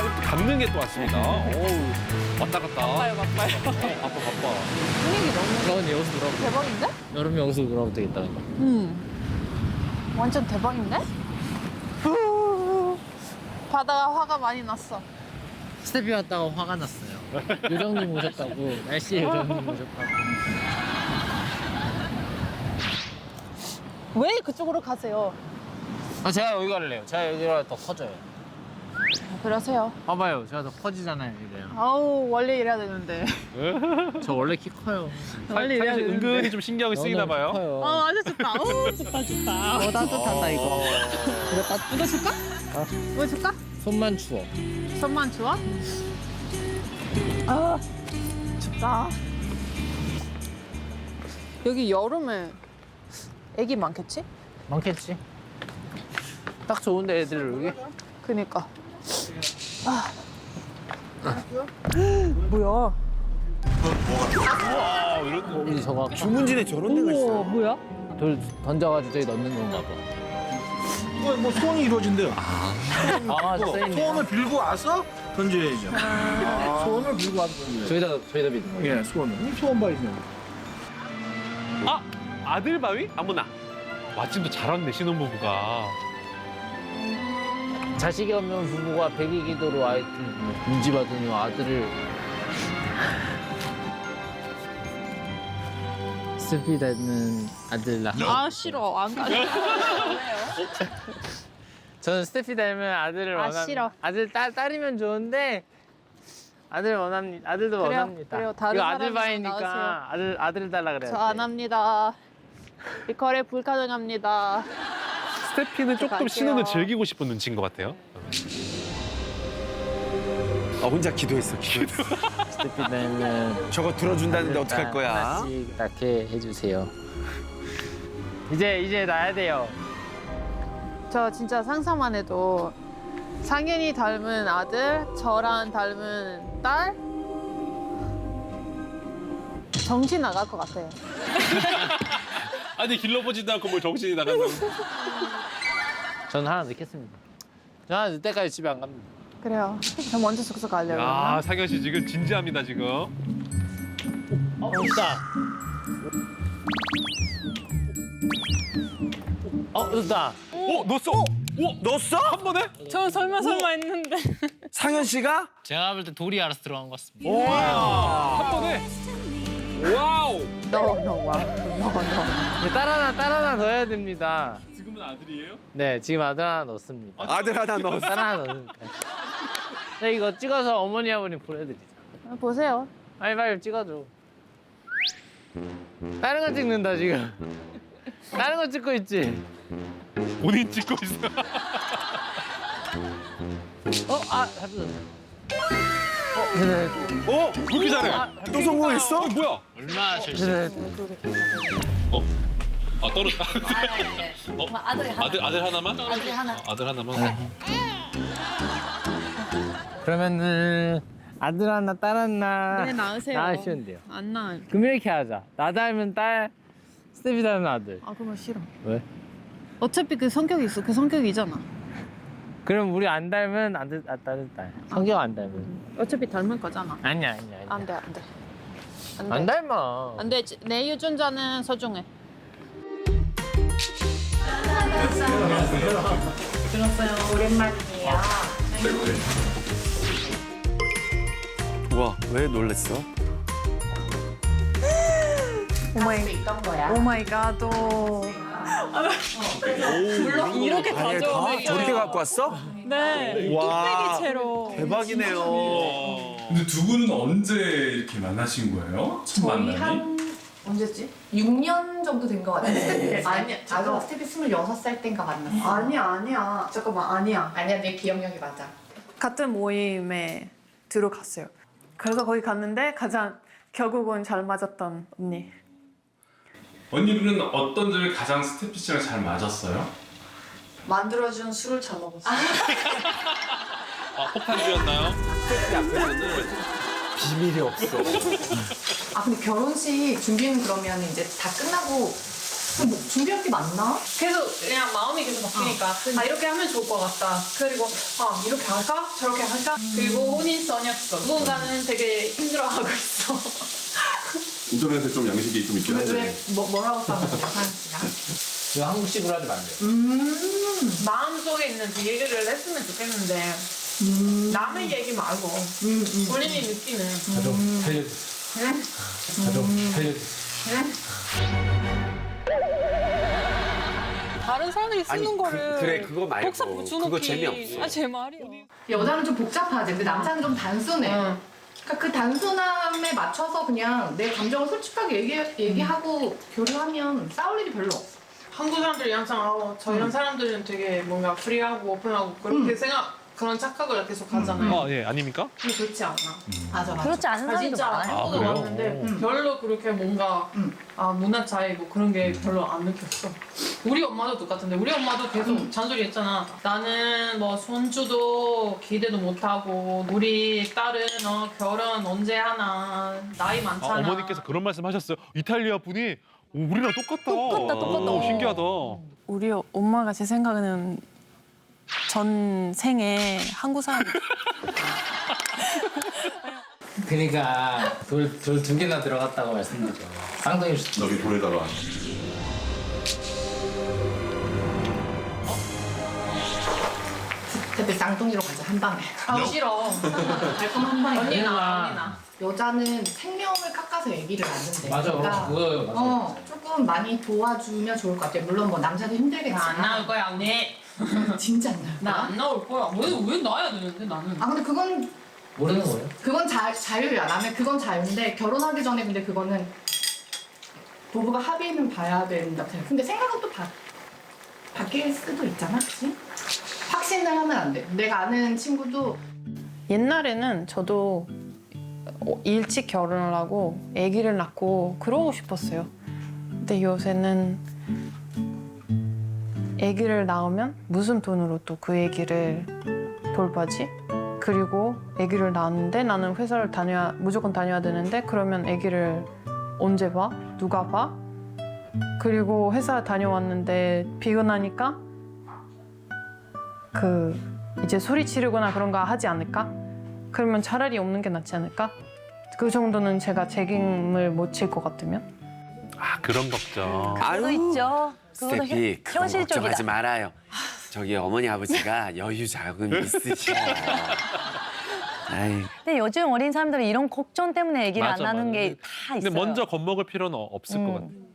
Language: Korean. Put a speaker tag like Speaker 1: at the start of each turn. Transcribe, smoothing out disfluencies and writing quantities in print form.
Speaker 1: 갖는 게 또 왔습니다. 어우, 왔다 갔다.
Speaker 2: 바빠요.
Speaker 1: 바빠.
Speaker 2: 분위기 너무
Speaker 3: 그러면 여기서 놀아도
Speaker 2: 대박인데?
Speaker 3: 여름에 여기서 놀아도 되겠다.
Speaker 2: 완전 대박인데? 후. 바다가 화가 많이 났어.
Speaker 3: 스텝이 왔다가 화가 났어요. 요정님 오셨다고. 날씨에 요정님 오셨다고.
Speaker 2: 왜 그쪽으로 가세요?
Speaker 3: 아, 제가 여기 갈래요. 제가 여기가 더 커져요.
Speaker 2: 그러세요.
Speaker 3: 봐봐요. 제가 더 커지잖아요, 이래요.
Speaker 2: 아우 원래 이래야 되는데.
Speaker 3: 저 원래 키 커요.
Speaker 2: 원래 이래야
Speaker 1: 사실
Speaker 2: 되는데.
Speaker 1: 은근히 좀 신경이 쓰이나 봐요.
Speaker 3: 커요.
Speaker 2: 아주 좋다. 좋다.
Speaker 3: 따뜻하다, 이거.
Speaker 2: 이거 줄까? 이거 줄까?
Speaker 3: 손만 추워.
Speaker 2: 손만 주워? 아 춥다. 여기 여름에 애기 많겠지?
Speaker 3: 많겠지? 딱 좋은데, 애들 여기?
Speaker 2: 그니까. 아. 뭐야?
Speaker 3: 우리 저거
Speaker 4: 주문진에 저런 데가 있어요.
Speaker 2: 뭐야?
Speaker 3: 돌 던져가지고 저기 넣는 건가 봐.
Speaker 4: 뭐 소원이 이루어진대요.
Speaker 3: 아, 써 있네.
Speaker 4: 소원을 빌고 와서 던져야죠. 소원을 빌고 와서 던져야죠.
Speaker 3: 저희다 믿는 거.
Speaker 4: 예, 소원을. 소원 바이죠.
Speaker 1: 아, 아들 바위? 아무나. 마침 또 잘 왔네, 신혼부부가.
Speaker 3: 자식이 없는 부부가 백일기도로 아이들 문지받으니 아들을 스피 닮은 아들 낳아.
Speaker 2: 아 싫어 안 가.
Speaker 3: 저는 스테피 닮은 아들을
Speaker 2: 아,
Speaker 3: 원합니다.
Speaker 2: 싫어.
Speaker 3: 아들 딸이면 좋은데 아들도
Speaker 2: 그래요,
Speaker 3: 원합니다.
Speaker 2: 그래요. 다른
Speaker 3: 이거 아들
Speaker 2: 사람이랑
Speaker 3: 바이니까 아들 달라 그래요.
Speaker 2: 저 안 합니다. 이 거래 불가능합니다.
Speaker 1: 스테피는 조금
Speaker 2: 갈게요.
Speaker 1: 신혼을 즐기고 싶은 눈치인 것 같아요.
Speaker 4: 혼자 기도했어.
Speaker 3: 스테피 닮은
Speaker 4: 저거 들어준다는데 어떡할 거야?
Speaker 3: 하나씩 낳게 해주세요. 이제 낳아야 돼요.
Speaker 2: 저 진짜 상상만 해도 상현이 닮은 아들, 저랑 닮은 딸 정신 나갈 것 같아요.
Speaker 1: 아니, 길러보지도 않고 뭘 정신이 나가서.
Speaker 3: 저는 하나 넣겠습니다. 저 하나 넣을 때까지 집에 안 갑니다.
Speaker 2: 그래요. 저 먼저 숙소 가려고.
Speaker 1: 아, 상현 씨 지금 진지합니다, 지금.
Speaker 3: 있다. 넣었다.
Speaker 1: 넣었어?
Speaker 4: 넣었어?
Speaker 1: 한 번에?
Speaker 2: 저 설마 했는데.
Speaker 4: 상현 씨가?
Speaker 3: 제가 볼 때 돌이 알아서 들어간 것 같습니다.
Speaker 1: 와, 한 번에. 와우.
Speaker 2: No.
Speaker 3: 딸 하나 넣어야 됩니다.
Speaker 1: 지금은 아들이에요?
Speaker 3: 네, 지금 아들 하나 넣었습니다.
Speaker 4: 아들 하나 넣었어.
Speaker 3: 딸 하나 넣으니까. 네, 이거 찍어서 어머니 아버님 보내드리자.
Speaker 2: 보세요.
Speaker 3: 빨리 찍어줘. 다른 거 찍는다 지금. 다른 거 찍고 있지.
Speaker 1: 본인 찍고 있어.
Speaker 3: 잡혔어.
Speaker 1: 왜 이렇게 잘해?
Speaker 4: 또 성공했어?
Speaker 1: 뭐야?
Speaker 3: 얼마나 절실해.
Speaker 1: 떨어졌다. 아들 하나만?
Speaker 2: 아들이 하나.
Speaker 1: 아들 하나만?
Speaker 3: 그러면은 아들 하나, 딸 하나.
Speaker 2: 네, 낳으세요.
Speaker 3: 낳으시면 돼요.
Speaker 2: 안 낳아요.
Speaker 3: 그럼 이렇게 하자. 나 닮은 딸, 스테피 닮은 아들.
Speaker 2: 아, 그러면 싫어.
Speaker 3: 왜?
Speaker 2: 어차피 그 성격이 있어. 그 성격이잖아.
Speaker 3: 그럼 우리 안 닮은 아들, 딸. 성격 안 닮은.
Speaker 2: 어차피 닮을 거잖아.
Speaker 3: 아니야.
Speaker 2: 안 돼.
Speaker 3: 안 닮아.
Speaker 2: 안 돼. 내 유전자는 소중해.
Speaker 5: 들었어요. 오랜만이에요.
Speaker 4: 와, 왜 놀랬어?
Speaker 5: 있던 거야.
Speaker 2: 오 마이 갓. 이렇게
Speaker 4: 아예 다 저렇게 갖고 왔어?
Speaker 2: 네.
Speaker 4: 와,
Speaker 2: 채로.
Speaker 4: 대박이네요.
Speaker 6: 근데 두 분은 언제 이렇게 만나신 거예요? 첫
Speaker 5: 저희
Speaker 6: 만남이?
Speaker 5: 언제지? 6년 정도 된 거 같아요. 아니야, 나도 스텝이 26살 땐가 만났어.
Speaker 7: 아니야. 잠깐만, 아니야.
Speaker 5: 아니야, 내 기억력이 맞아.
Speaker 7: 같은 모임에 들어갔어요. 그래서 거기 갔는데 가장 결국은 잘 맞았던 언니.
Speaker 6: 언니분은 어떤 점이 가장 스테피 씨랑 잘 맞았어요?
Speaker 7: 만들어준 술을 잘 먹었어.
Speaker 1: 폭탄주였나요?
Speaker 4: 비밀이 없어.
Speaker 5: 아, 근데 결혼식 준비는 그러면 이제 다 끝나고 그럼 뭐 준비할 게 많나?
Speaker 2: 계속 그냥 마음이 계속 바뀌니까 이렇게 하면 좋을 것 같다. 그리고 이렇게 할까? 저렇게 할까? 그리고 혼인선약서. 누군가는 되게 힘들어하고 있어.
Speaker 8: 인터넷에 좀 양식이 좀 있긴 한데.
Speaker 5: 뭐라고 써놨어요, 하연 씨가?
Speaker 3: 이거 한국식으로 하지 말래요.
Speaker 2: 마음속에 있는 그 얘기를 했으면 좋겠는데 남의 얘기 말고 본인이 느끼는
Speaker 3: 저 좀 살려주세요. 저 좀 살려주세요.
Speaker 9: 다른 사람들이 쓰는 거를
Speaker 1: 그래, 그거 말고.
Speaker 9: 복사 붙여놓기.
Speaker 1: 그거 재미없어.
Speaker 9: 제 말이야.
Speaker 5: 여자는 좀 복잡하지. 근데 남자는 좀 단순해. 그러니까 그 단순함에 맞춰서 그냥 내 감정을 솔직하게 얘기하고 교류하면 싸울 일이 별로 없어.
Speaker 2: 한국 사람들이 항상 저 이런 사람들은 되게 뭔가 프리하고 오픈하고 그렇게 그런 착각을 계속 하잖아요.
Speaker 1: 예, 아닙니까?
Speaker 2: 근데 그렇지 않아.
Speaker 5: 맞아.
Speaker 9: 그렇지 않은 사람도
Speaker 2: 진짜
Speaker 9: 많아요.
Speaker 2: 한국에
Speaker 1: 그래요?
Speaker 2: 왔는데 별로 그렇게 뭔가 문화 차이 뭐 그런 게 별로 안 느꼈어. 우리 엄마도 똑같은데 우리 엄마도 계속 잔소리했잖아. 나는 뭐 손주도 기대도 못하고 우리 딸은 결혼 언제 하나 나이 많잖아.
Speaker 1: 어머니께서 그런 말씀하셨어요. 이탈리아 분이 우리랑 똑같다.
Speaker 9: 똑같다.
Speaker 1: 신기하다.
Speaker 7: 우리 엄마가 제 생각에는 전 생에 한국 사람
Speaker 3: 그러니까 돌 두 개나 들어갔다고 말씀드죠. 쌍둥이
Speaker 8: 여기 돌에다가
Speaker 5: 그때 쌍둥이로 가자, 한 방에.
Speaker 2: 싫어.
Speaker 5: 달콤 한 방에.
Speaker 2: 언니나.
Speaker 5: 여자는 생명을 깎아서 얘기를 낳는데.
Speaker 3: 맞아.
Speaker 5: 그러니까
Speaker 3: 그거요. 맞아.
Speaker 5: 조금 많이 도와주면 좋을 것 같아요. 물론 뭐 남자도 힘들겠지만.
Speaker 2: 나 안 나올 거야 언니.
Speaker 5: 진짜 안 나올 거야?
Speaker 2: 나 안 나올 거야. 왜 나야 되는데 나는.
Speaker 5: 근데
Speaker 3: 모르는 거예요?
Speaker 5: 그건 자유야. 나는 그건 자유인데 결혼하기 전에 근데 그거는 부부가 합의는 봐야 된다고 생각해. 근데 생각은 또 바뀔 수도 있잖아, 그치? 확신을 하면 안 돼. 내가 아는 친구도
Speaker 7: 옛날에는 저도 일찍 결혼을 하고 아기를 낳고 그러고 싶었어요. 근데 요새는 아기를 낳으면 무슨 돈으로 또 그 아기를 돌봐지? 그리고 아기를 낳았는데 나는 회사를 무조건 다녀야 되는데 그러면 아기를 언제 봐? 누가 봐? 그리고 회사 다녀왔는데 피곤하니까 이제 소리 지르거나 그런 거 하지 않을까? 그러면 차라리 없는 게 낫지 않을까? 그 정도는 제가 책임을 못 질 것 같으면?
Speaker 1: 그런 걱정.
Speaker 9: 그것도 있죠. 그거는
Speaker 10: 스테피 그런
Speaker 9: 현실적이다.
Speaker 10: 걱정하지 말아요. 저기 어머니 아버지가 여유 자금 있으셔. 아이,
Speaker 9: 근데 요즘 어린 사람들은 이런 걱정 때문에 얘기를 안
Speaker 1: 맞아,
Speaker 9: 하는
Speaker 1: 맞아.
Speaker 9: 게 다 있어요.
Speaker 1: 근데 먼저 겁먹을 필요는 없을 것 같아.